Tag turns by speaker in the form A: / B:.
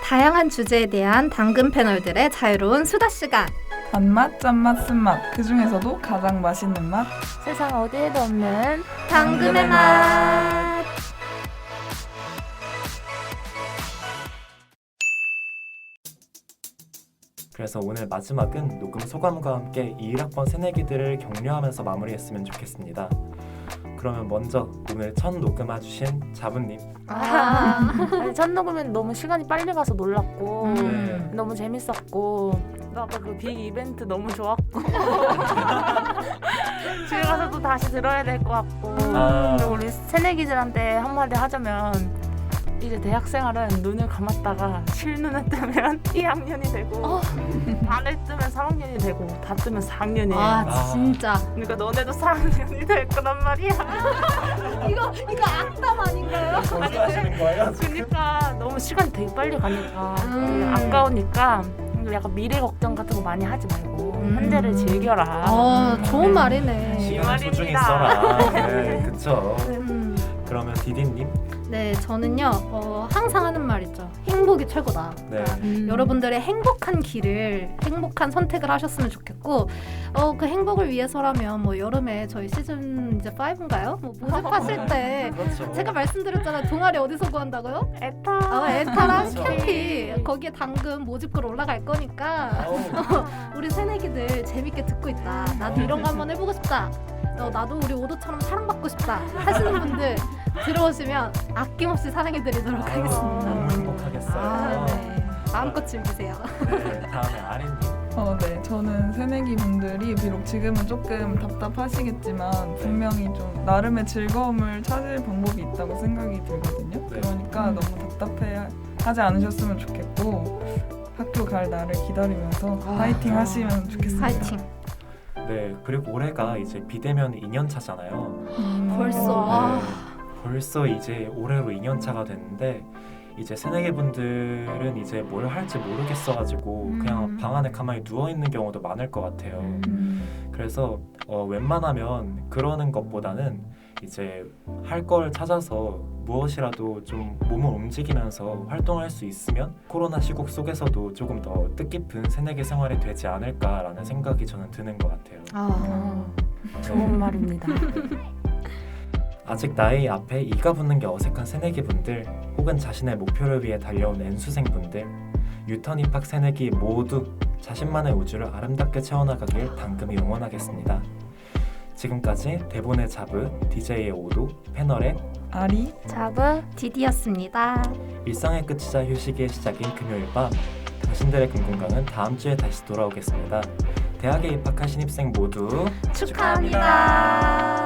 A: 다양한 주제에 대한 당근 패널들의 자유로운 수다 시간.
B: 단맛, 짠맛, 쓴맛, 그 중에서도 가장 맛있는 맛.
C: 세상 어디에도 없는
A: 당근의 맛.
D: 그래서 오늘 마지막은 녹음 소감과 함께 21학번 새내기들을 격려하면서 마무리했으면 좋겠습니다. 그러면 먼저 오늘 첫 녹음해주신 자부님.
C: 아니, 첫 녹음은 너무 시간이 빨리 가서 놀랐고
D: 네.
C: 너무 재밌었고 아까 그 빅 이벤트 너무 좋았고 집에 가서도 다시 들어야 될 것 같고 그리고 우리 새내기들한테 한마디 하자면 이제 대학생활은 눈을 감았다가 실눈을 뜨면 2학년이 되고 반을 뜨면 3학년이 되고 다 뜨면 4학년이에요.
A: 아 진짜.
C: 그러니까 너네도 4학년이 될 거란 말이야.
A: 이거 악담 아닌가요?
D: 하시는 거예요?
C: 그러니까 너무 시간이 되게 빨리 가니까 아까우니까 약간 미래 걱정 같은 거 많이 하지 말고 현재를 즐겨라.
A: 좋은 말이네.
D: 시간 소중히
C: 말입니다.
D: 써라. 네, 그쵸. 그러면 디디님.
A: 네, 저는요 항상 하는 말이죠. 행복이 최고다.
D: 네.
A: 여러분들의 행복한 길을, 행복한 선택을 하셨으면 좋겠고, 그 행복을 위해서라면 뭐 여름에 저희 시즌 이제 5인가요? 뭐 모집하실 때
D: 그렇죠.
A: 제가 말씀드렸잖아요. 동아리 어디서 구한다고요?
C: 에타.
A: 에타랑
D: 그렇죠.
A: 캠피. 거기에 당근 모집글 올라갈 거니까 우리 새내기들 재밌게 듣고 있다. 나도 이런 거 한번 해보고 싶다. 나도 우리 오도처럼 사랑받고 싶다 하시는 분들 들어오시면 아낌없이 사랑해드리도록 하겠습니다.
D: 너무 행복하겠어요.
A: 네. 마음껏 즐기세요.
D: 네, 다음에 아린님.
B: 네, 저는 새내기 분들이 비록 지금은 조금 답답하시겠지만 분명히 좀 나름의 즐거움을 찾을 방법이 있다고 생각이 들거든요.
D: 네.
B: 그러니까 너무 답답해하지 않으셨으면 좋겠고 학교 갈 날을 기다리면서 파이팅 하시면 좋겠습니다.
A: 파이팅.
D: 네, 그리고 올해가 이제 비대면 2년 차잖아요.
A: 벌써.
D: 네, 벌써 이제 올해로 2년 차가 됐는데 이제 새내기 분들은 이제 뭘 할지 모르겠어가지고 그냥 방 안에 가만히 누워 있는 경우도 많을 것 같아요. 그래서 웬만하면 그러는 것보다는 이제 할 걸 찾아서 무엇이라도 좀 몸을 움직이면서 활동할 수 있으면 코로나 시국 속에서도 조금 더 뜻깊은 새내기 생활이 되지 않을까라는 생각이 저는 드는 것 같아요.
C: 좋은 말입니다.
D: 아직 나이 앞에 이가 붙는 게 어색한 새내기 분들 혹은 자신의 목표를 위해 달려온 N수생 분들 유턴 입학 새내기 모두 자신만의 우주를 아름답게 채워나가길 당금이 응원하겠습니다. 지금까지 대본의 자브, DJ의 오도, 패널의
B: 아리,
C: 자부
A: 디디였습니다.
D: 일상의 끝이자 휴식의 시작인 금요일 밤 당신들의 금공강은 다음 주에 다시 돌아오겠습니다. 대학에 입학한 신입생 모두
A: 축하합니다.